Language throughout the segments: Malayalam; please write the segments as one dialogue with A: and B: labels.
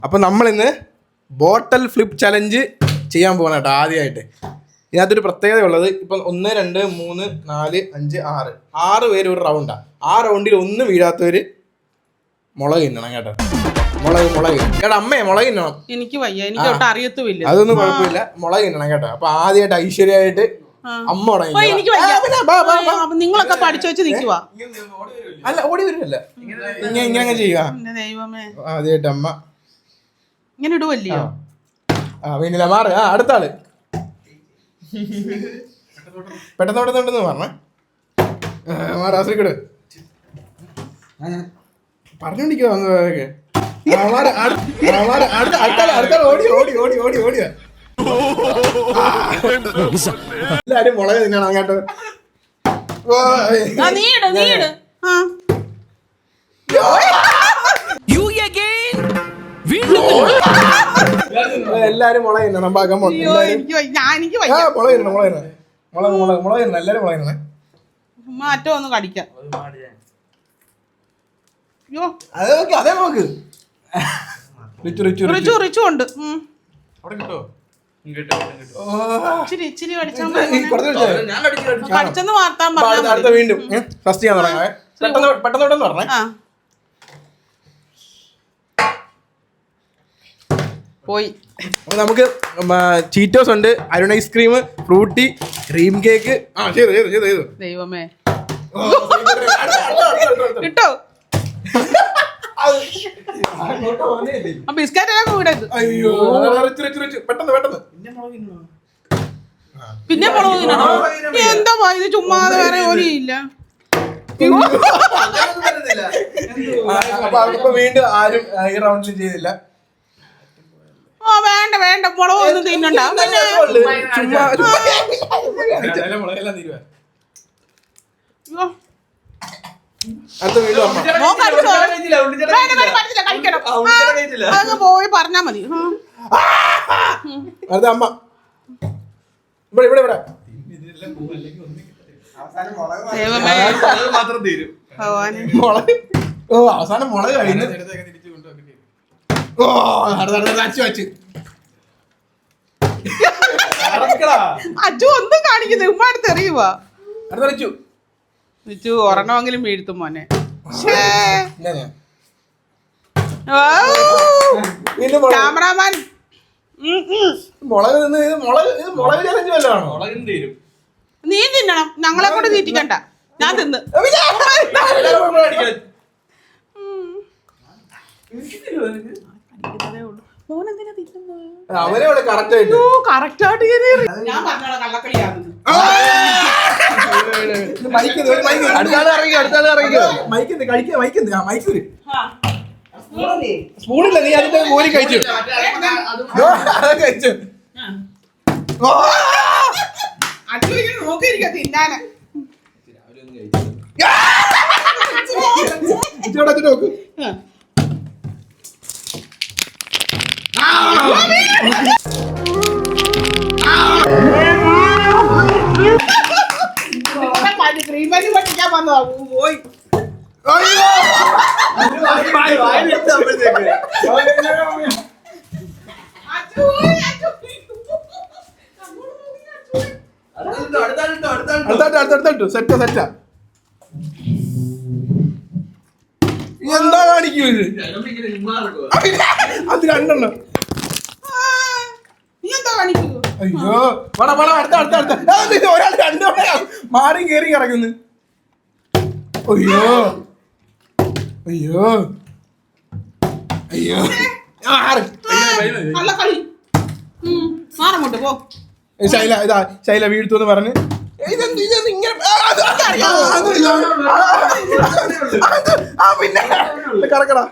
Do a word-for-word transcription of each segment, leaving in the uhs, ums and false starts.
A: അപ്പം നമ്മളിന്ന് ബോട്ടൽ ഫ്ലിപ്പ് ചലഞ്ച് ചെയ്യാൻ പോകണം കേട്ടോ ആദ്യമായിട്ട്. ഇതിനകത്തൊരു പ്രത്യേകത ഉള്ളത്, ഇപ്പം ഒന്ന് രണ്ട് മൂന്ന് നാല് അഞ്ച് ആറ് ആറ് പേര് ഒരു റൗണ്ടാണ്. ആ റൗണ്ടിൽ ഒന്ന് വീഴാത്തവർ മുളക് തിന്നണം കേട്ടോ. മുളക് മുളക് കേട്ടോ അമ്മേ മുളക് തിന്നണം.
B: എനിക്ക് വയ്യ, എനിക്ക് അറിയത്തുമില്ല.
A: അതൊന്നും കുഴപ്പമില്ല, മുളക് തിന്നണം കേട്ടോ. അപ്പൊ ആദ്യമായിട്ട് ഐശ്വര്യമായിട്ട് അമ്മ
B: നിങ്ങളൊക്കെ പഠിച്ചു വെച്ച് നിൽക്കുക.
A: അല്ല ഓടി വരുമല്ല, ഇങ്ങനെ ഇങ്ങനെ ചെയ്യുക.
B: ദൈവമേ,
A: ആദ്യമായിട്ട് അമ്മ
B: ഇങ്ങനെ ഇടുവല്ലയോ?
A: ആ പിന്നെ മാറ്. ആ അടുത്ത ആള് പെട്ടെന്ന് പെട്ടെന്ന് പറഞ്ഞേ. മാറാശ്രീക്കട് പറഞ്ഞോണ്ടിരിക്കുക. ഓടി ഓടി ഓടി ഓടി ഓടിയ എല്ലാരും മുളക് തിന്നണം അങ്ങോട്ട്. എല്ലാരും മുളക് തിന്നണം. മുളക് തിന്നണം മുളക് തിന്നണം മുളക് മുളക് മുളക് തിന്നണം എല്ലാരും മുളക് തിന്നണം.
B: മാറ്റം ഒന്ന് കടിക്കാം.
A: അതേ നോക്ക് അതേ നോക്ക്. റിച്ചു റിച്ചു
B: റിച്ചു റിച്ചു ഉണ്ട്.
A: അവിടെ കിട്ടോ?
B: ഇച്ചിരി ഇച്ചിരി കടിച്ചെന്ന് വാർത്താൻ പറഞ്ഞു.
A: അടുത്ത വീണ്ടും ഫസ്റ്റ് ചെയ്യാൻ തുടങ്ങാവേ. പെട്ടെന്ന് പെട്ടെന്ന് പെട്ടെന്ന് പറഞ്ഞേ.
B: പോയി.
A: അപ്പൊ നമുക്ക് ചീറ്റോസ് ഉണ്ട്, Arun ice cream, Frooti, cream cake. ആ ചെയ്തു ചെയ്തു ചെയ്തു ചെയ്തു.
B: ദൈവമേ കിട്ടോ? ബിസ്ക്കറ്റ് കൂടരുത്.
A: അയ്യോ പെട്ടെന്ന് പെട്ടെന്ന്
B: പിന്നെ മുളക് തിന്നണം. എന്താ ഇത് ചുമ്മാതെ വേറെ ജോലിയില്ല.
A: അപ്പൊ വീണ്ടും ആരും ഈ റൗണ്ടിൽ ചെയ്തില്ല.
B: ആ വേണ്ട വേണ്ട, മുളക് ഒന്നും തിന്നണ്ട. പോയി പറഞ്ഞാ മതി.
A: അടുത്ത അമ്മ ഇവിടെ ഇവിടെ ഇവിടെ. ഓ അവസാനം മുളക് കഴിഞ്ഞു. ഓ അച്ചു
B: അച്ചു ഒന്നും കാണിക്കുന്നത് ഉമ്മ അടുത്ത് എറിയുവാ.
A: അടുത്തച്ചു
B: റിച്ചു ഒരെണ്ണമെങ്കിലും വീഴ്ത്തും മോനെ. ക്യാമറാമാൻ
A: മുളക് നിന്ന് മുളക് മുളക് ചലഞ്ച് വല്ലതാണോ? മുളക് തീരും.
B: നീ തിന്നണം, ഞങ്ങളെ കൊണ്ട് തീറ്റിക്കണ്ട. ഞാൻ തിന്ന്
A: അവനെ കറക്റ്റ് ആയിട്ട്
B: കറക്റ്റ് ആയിട്ട് ഞാൻ പറഞ്ഞോളാം കള്ളക്കളിയാണെന്ന്.
A: സ്പൂണില്ല, നീ അതിന്റെ മോരി കഴിച്ചു കഴിച്ചു.
B: നോക്കിയിരിക്ക തിന്നാന്.
A: നോക്ക്
B: ക്രീമരി പഠിക്കാൻ വന്നോ പോയി.
A: സെറ്റാ സെറ്റാ. എന്താ കാണിക്കൂ ഇത്? അത് രണ്ടെണ്ണം. അയ്യോ പട പട അടുത്ത അടുത്ത അടുത്ത ഒരാൾ രണ്ടോടെ മാറി കേറി കിടക്കുന്നു. അയ്യോ അയ്യോ അയ്യോ ശൈല ഇതാ ശൈല വീഴ്ത്തു എന്ന് പറഞ്ഞ് പിന്നെ കറക്കടാ.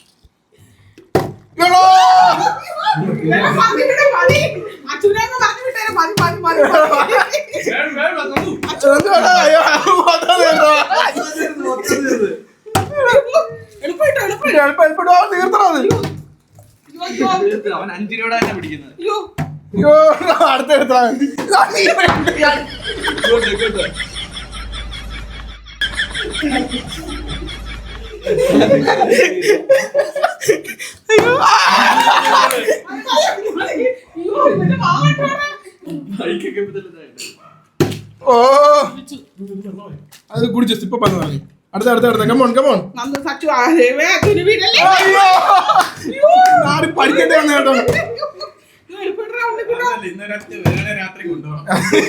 C: അവൻ അഞ്ചിനോട് തന്നെ പിടിക്കുന്നത്.
A: അടുത്ത എടുത്ത
B: അയ്യോ അയ്യോ ഇവന്റെ വാങ്ങട്ടെ
A: ഓ അത് കുടിച്ചു ഇപ്പൊ പറഞ്ഞു പറഞ്ഞു അടുത്ത അടുത്ത അടുത്ത കമോൺ കമോൺ
B: നന്ദു സച്ചു ആരേവേ അതിന് വീടല്ലേ
A: ആര് പഠിക്കട്ടെ വന്ന കേട്ടോ
C: രാത്രി കൊണ്ടുപോകണം.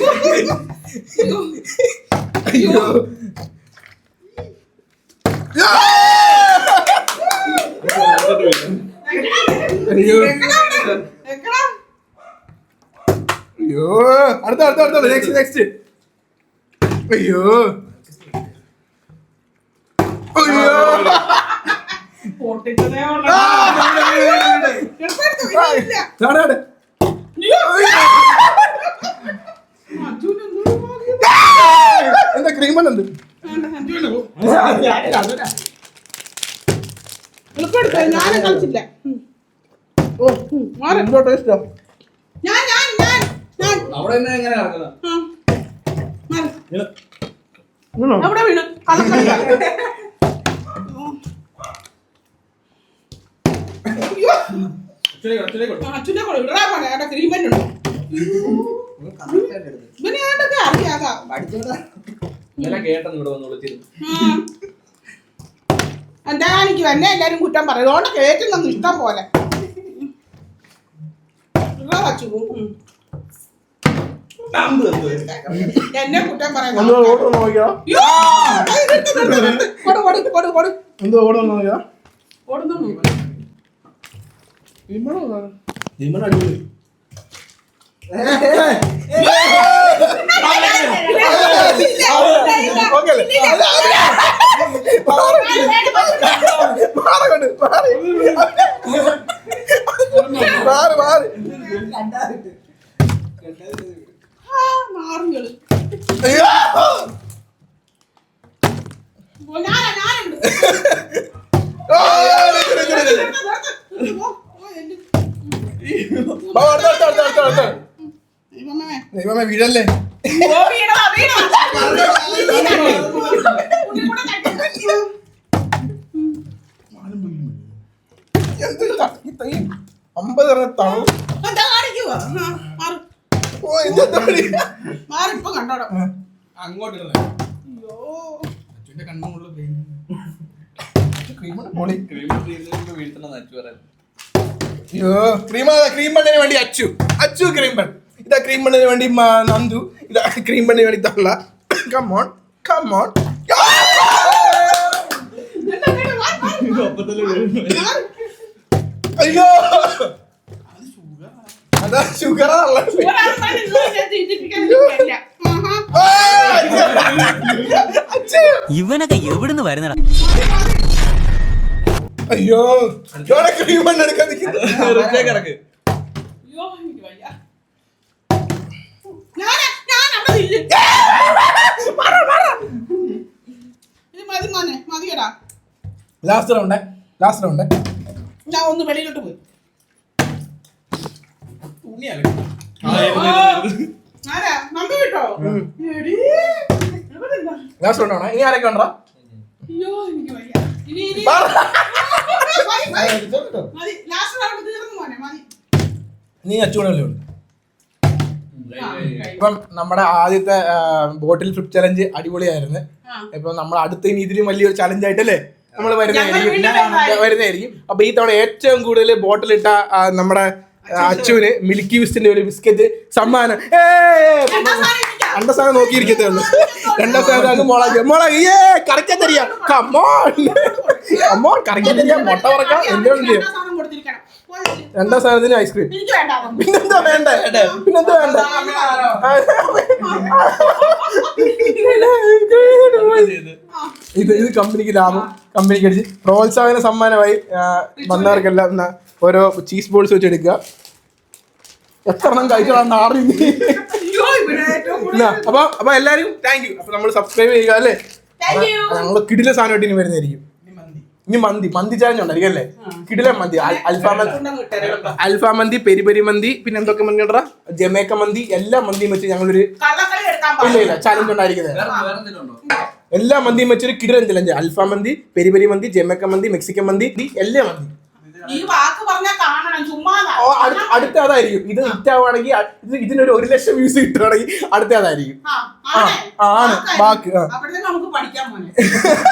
A: അയ്യോ അയ്യോ അയ്യോ അടുത്ത അടുത്ത അടുത്ത നെക്സ്റ്റ് നെക്സ്റ്റ് അയ്യോ അയ്യോ
B: പൊട്ടിച്ചതേ
A: ചാടാടെ എന്താ ക്രീമൻ ഉണ്ട്
B: ഞാനും കളിച്ചില്ല
A: ഓ എന്തോ ടേസ്റ്റാ
B: ഞാൻ ഞാൻ ഞാൻ ഞാൻ
C: അവിടെ തന്നെ എങ്ങനെ നടക്കുന്നത്?
B: ആ. മാറ്. അവിടെ വീണ് കളക്കണ്ട. അയ്യോ. ആ, അച്ഛനെ കൊണ്ട് വിടറാ മോനെ. അവിടെ ക്രീമെന്റ് ഉണ്ട്. ഇവനെ ഏതൊക്കെ അറിയാതാ.
C: ഇന്നലെ കേട്ടെന്ന് ഇവിടെ വന്ന് വിളിച്ചിരുന്നു.
B: ആ. എന്താ കാണിക്കും എന്നെ എല്ലാരും കുറ്റം പറയും അതുകൊണ്ട് കേറ്റുന്നു ഇഷ്ടം പോലെ വിടറാ വച്ചു. ഉം. എന്നെ കുറ്റം പറയാൻ
A: എന്തോ ഓർഡർ നോക്കിയാ
B: അയ്യോ. അത് നിർത്ത്, നിർത്ത്, നിർത്ത്. കൊടു, കൊടു, കൊടു, കൊടു.
A: എന്തോ ഓർഡർ നോക്കിയാ
B: ഓടുന്നു.
A: ജിമ്മൻ അടിപൊളി
B: മാറുകള് ഞാനാ ഞാനുണ്ട്
A: ദൈവമേ വീഴല്ലേ അമ്പത് തണു
B: മാറിപ്പോ കണ്ടോടോ
A: അങ്ങോട്ട്
B: അയ്യോ
A: അച്ഛന്റെ കണ്ണുള്ള
C: വീഴ്ത്തണം അച്ചു പറയാൻ.
A: അയ്യോ ക്രീം ക്രീം ബണ്ണിന് വേണ്ടി അച്ചു അച്ചു ക്രീം ബൺ ഇതാ ക്രീം ബണ്ണിന് വേണ്ടി മ- നന്ദു ഇതാ ക്രീം ബണ്ണിന് വേണ്ടി തള്ള കമോൺ കമോൺ അയ്യോ അതാ ഷുഗർ
D: ഇവനൊക്കെ എവിടുന്ന് വരുന്നടാ?
A: അയ്യോ ക്രീം ബണ്ണ് എടുക്കാൻ നിൽക്കുന്നു
C: കിടക്ക്.
B: അയ്യോ എനിക്ക് വയ്യ ഞാനാ ഞാൻ അവിടെ ഇല്ല ഇത് മതി മോനെ മതിയടാ
A: ലാസ്റ്റ് റൗണ്ട് ലാസ്റ്റ് റൗണ്ട്
B: ഞാൻ ഒന്ന് വെളിയിലോട്ട് പോയി ആരാ നമ്പി വിട്ടോ എടീ, എവിടെന്താ?
A: ലാസ്റ്റ് റൗണ്ട് ആണോ ഇനി ആരൊക്കെ ഉണ്ടോ
B: അയ്യോ എനിക്ക് വയ്യ ഇനി ഇനി മതി, മതി. മതി ലാസ്റ്റ് റൗണ്ട് തീർന്നു മോനെ മതി
A: നീ അച്ചുകൂടെ ഉണ്ട്
B: ആ, കഴി.
A: ഇപ്പം നമ്മുടെ ആദ്യത്തെ ബോട്ടിൽ ഫ്ലിപ്പ് ചലഞ്ച് അടിപൊളിയായിരുന്നു
B: ആ.
A: ഇപ്പൊ നമ്മൾ അടുത്ത ഇനി ഇതിലും വലിയൊരു ചലഞ്ച് ആയിട്ടല്ലേ നമ്മൾ വരുന്നതായിരിക്കും
B: ഞങ്ങൾ വീണ്ടും വരുന്നതായിരിക്കും.
A: വരുന്നതായിരിക്കും അപ്പൊ ഈ തവണ ഏറ്റവും കൂടുതൽ ബോട്ടിൽ ഇട്ട ആ, നമ്മുടെ ആ, അച്ചുവിന് മിൽക്കി വിസ്റ്റിന്റെ ഒരു ബിസ്ക്കറ്റ് സമ്മാനം
B: രണ്ടാം സ്ഥാനം എനിക്കാ.
A: രണ്ടാം സ്ഥാനം നോക്കിയിരിക്കത്തേ ഉള്ളൂ രണ്ടാം സ്ഥാനം മുളക് മുളക് ഏ കറക്കാൻ തരിക കമ്മോൺ കമ്മോൺ കറക്കാൻ തരിക മുട്ട പറക്കാം എല്ലാം ഉണ്ട്
B: രണ്ടാം സ്ഥാനം കൊടുത്തിരിക്കണം. പോയി.
A: രണ്ടാം സ്ഥാനത്തിന് ഐസ്ക്രീം
B: എനിക്ക് വേണ്ട അതൊന്നും.
A: പിന്നെന്താ വേണ്ടേ പിന്നെന്താ വേണ്ട ഇത് ഇത് കമ്പനിക്ക് ലാഭം കമ്പനിക്ക് അടിച്ച് പ്രോത്സാഹന സമ്മാനമായി ആ, വന്നവർക്കെല്ലാം എന്നാ ഓരോ ചീസ് ബോൾസ് വെച്ച് എടുക്കുക എത്ര എണ്ണം കഴിച്ചാണ് ആറി
B: അയ്യോ, ഇവിടെ ഏറ്റവും കൂടുതൽ
A: അപ്പൊ അപ്പൊ എല്ലാരും താങ്ക് യു അപ്പൊ നമ്മൾ സബ്സ്ക്രൈബ് ചെയ്യുക അല്ലേ
B: Thank you.
A: ഞങ്ങള് കിടില സാധനമായിട്ട് ഇനി വരുന്നതായിരിക്കും ഇനി മന്തി മന്തി ചാലഞ്ച് ഉണ്ടായിരിക്കും അല്ലേ കിടില മന്തി അൽ- അൽഫാം മന്തി
B: കൊണ്ടങ്ങ് ഇട്ടേരെ.
A: അൽഫാം മന്തി പെരി പെരി മന്തി പിന്നെ എന്തൊക്കെ മന്തി ഉണ്ടോ ജമേക്ക മന്തി എല്ലാ മന്തിയും വെച്ച് ഞങ്ങളൊരു
B: കള്ളക്കളി എടുക്കാൻ
A: ഇല്ല
B: പാടില്ല.
A: ഇല്ല ചാലഞ്ച് ഉണ്ടായിരിക്കുന്നത്
C: വേറെ വേറെ എന്തെങ്കിലും ഉണ്ടോ?
A: എല്ലാ മന്തിയും വെച്ചൊരു കിടിലൻ ചലഞ്ച് അൽഫാം മന്തി പെരി പെരി മന്തി ജമേക്ക മന്തി മെക്സിക്കൻ മന്തി ഈ എല്ലാ മന്തി
B: ഈ വാക്ക് പറഞ്ഞാൽ കാണണം ചുമ്മാ
A: ഓ, അടുത്ത അടുത്ത അതായിരിക്കും. ഇത് ഹിറ്റ് ആവുകയാണെങ്കിൽ ഇത് ഇതിനൊരു ഒരു ലക്ഷം വ്യൂസ് കിട്ടുകയാണെങ്കിൽ അടുത്ത അതായിരിക്കും. ആണ് വാക്ക്.
B: അപ്പോഴത്തേക്ക് നമുക്ക് പഠിക്കാൻ പോനെ